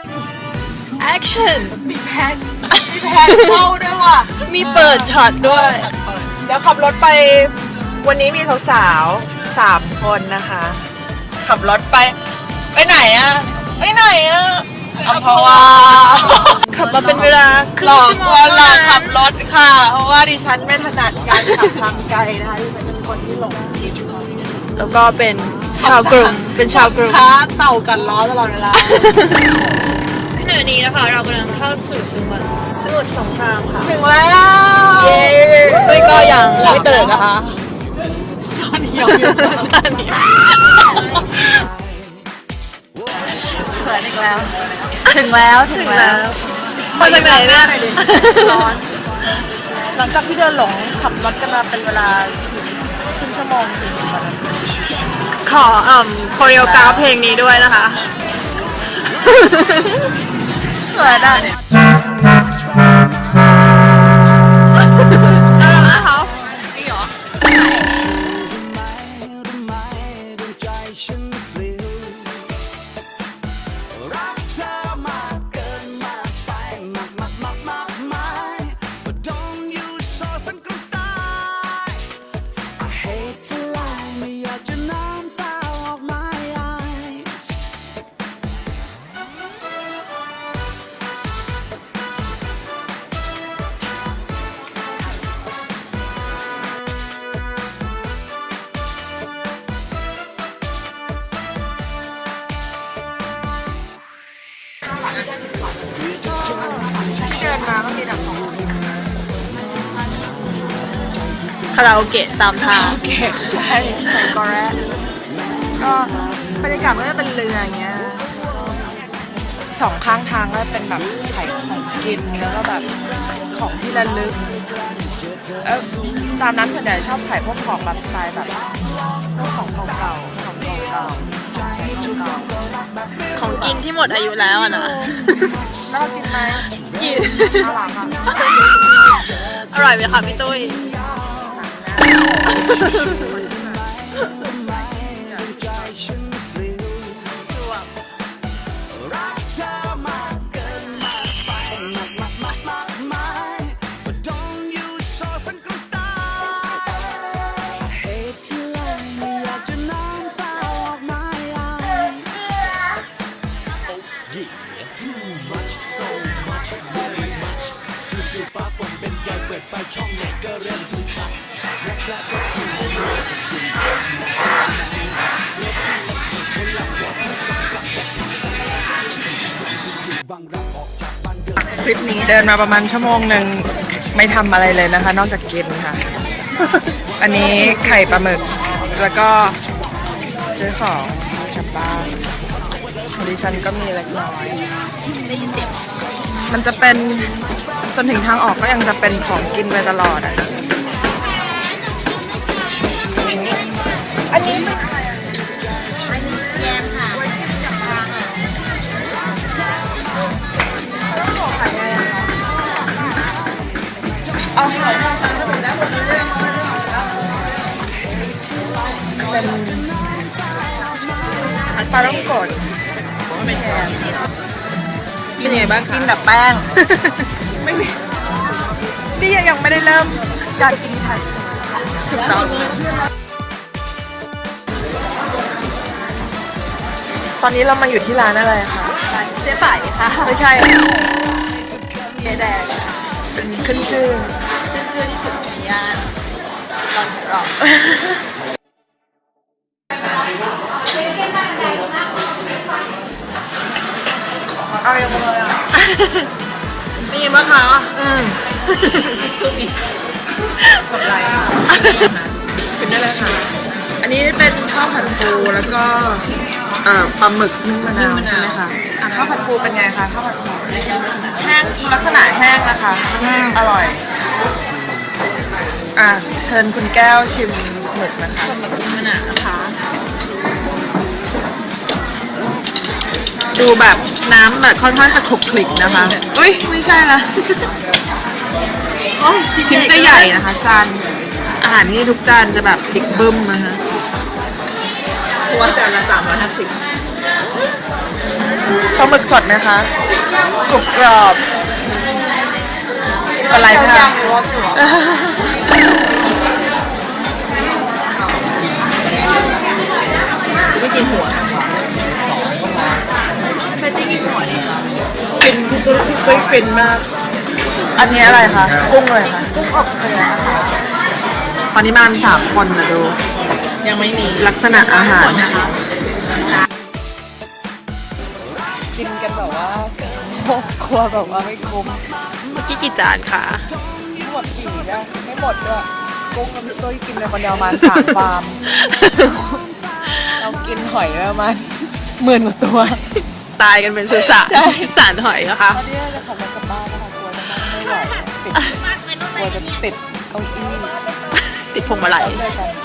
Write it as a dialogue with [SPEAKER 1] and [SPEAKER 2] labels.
[SPEAKER 1] action
[SPEAKER 2] มีแพนเข้าด้วยว่ะ
[SPEAKER 1] มีเปิดช็อตด้วย
[SPEAKER 2] เดี๋ยวขับรถไปวันนี้มีสาวๆ3 คนนะคะขับรถไปไหนอะไปไหนอะอัมพวา
[SPEAKER 1] ขับมาเป็นเวลาครึ่
[SPEAKER 2] หล
[SPEAKER 1] ง
[SPEAKER 2] อก
[SPEAKER 1] ชั่วโมง
[SPEAKER 2] ว่าเราขับรถค่ะเพราะว่าดิฉันไม่ถนัดการขับทางไกลนะคะดิฉันเป็นคนที่หลงผิด
[SPEAKER 1] แล้วก็เป็นชาวกรุง
[SPEAKER 2] ช้าเต่ากันล้อตลอดเวลา
[SPEAKER 1] ขณะนี้นะคะเรากำลังเข้าสู่จังหวัดสมุทรสงครามค่ะ
[SPEAKER 2] ถึงแล้ว
[SPEAKER 1] เย้ด้วยก็ยังไม่ตื่นนะคะ
[SPEAKER 2] ตอนนี้ยังอยู่ตอนนี้เขินอีกแล้วถึงแล้ว
[SPEAKER 1] มาจากไหนเนี่ย
[SPEAKER 2] ร้อนหลังจากที่เดินหลงขับรถกันมาเป็นเวลาครึ่งชั่วโมงถึงวันนั้นขอโคเรียกราฟเพลงนี้ด้วยนะคะสวยอ่ะเดินมาก็มีแต่ของ
[SPEAKER 1] คาราโอเกะตามทาง
[SPEAKER 2] ใช่ใส่กอแร่ก็บรรยากาศมันก็เป็นเรืออย่างเงี้ย2 ข้างทางก็เป็นแบบขายของกินแล้วก็แบบของที่ระลึกตามนั้นส่วนใหญ่ชอบขายพวกของแบบสไตล์แบบพวกของเก่าๆของเก่า
[SPEAKER 1] ของกินที่หมดอายุแล้วอะนะ
[SPEAKER 2] แล้วเรากินไหม
[SPEAKER 1] กิน
[SPEAKER 2] อร่อยค่ะ
[SPEAKER 1] อร่อยไหมคะพี่ตุ้ย
[SPEAKER 3] ไปช่องไหนก็เริ่มถึงชัดแรกก็ถึง
[SPEAKER 2] คลิปนี้เดินมาประมาณชั่วโมงหนึ่งไม่ทำอะไรเลยนะคะนอกจากกินค่ะ อันนี้ไข่ปลาหมึกแล้วก็ซื้อของกลับบ้านดิฉันก็มีเล็กน้อยมันจะเป็นจนถึงทางออกก็ยังจะเป็นของกินไปตลอดอ่ะอันนี้เป็นอะไรอ่ะ
[SPEAKER 1] อันนี้แยมค่ะ
[SPEAKER 2] เอาไข่เป็นปลาต้องกดไม่แทนกินยังไงบ้างกินแบบแป้งไม่มีนี่ยังไม่ได้เริ่มการกินไทยถูกต้องตอนนี้เรามาอยู่ที่ร้านอะไรคะ
[SPEAKER 1] เจ๊ไฝ่ค่ะ
[SPEAKER 2] ไม่ใช่
[SPEAKER 1] เจ๊แดง
[SPEAKER 2] เป็นขึ้นชื่อ
[SPEAKER 1] ที่สุดในย่านตอนรอบ
[SPEAKER 2] เอาอย่างไรอ่ะ
[SPEAKER 1] มีบ้างคะ
[SPEAKER 2] แบบไรเป็นได้เลยค่ะอันนี้เป็นข้าวผัดปูแล้วก็ปลาหมึกนึ่งมะนาวใช่ไหมคะข้าวผัดปูเป็นไงคะข้าวผัดปูแห้งลักษณะแห้งนะคะอร่อยเชิญคุณแก้วชิมหมึกนะคะ
[SPEAKER 1] หมึกมะนาวนะคะ
[SPEAKER 2] ดูแบบน้ำแบบค่อนข้างจะคลุกคลิกนะคะอุ้ยไม่ใช่ละชิ้นจะใหญ่นะคะจานอาหารนี่ทุกจานจะแบบพลิกบึ้มนะคะตัวจานละ350 ลาหมึกสดไหมคะกรุบกรอบอะไรคะไม่กินหัวนะคะไม่ได้กินหัวนี่ค่ะฟินพี่ตุ้ยฟินมากอันนี้อะไรคะกุ้งเลยค่ะกุ้งอบเกลือค่ะตอนนี้มา3 คนนะดูยังไม่มีลักษณะอาหารนะคะกินกันแบบว่าครัวแบบว่าไม่คุ้มเมื่อกี้กี่จานคะหมด4แล้วไม่หมดด้วยกุ้งกับพี่ตุ้ยกินไปคนเดียวประมาณ3 ฟาร์มเรากินหอยประมาณ10,000 กว่าตัวตายกันเป็นสุสานหอยนะคะตอนนี้จะขับรถกลับบ้านนะคะกลัวจะนั่งไม่ไหวกลัวจะติดเก้าอี้ติดพวงมาลัย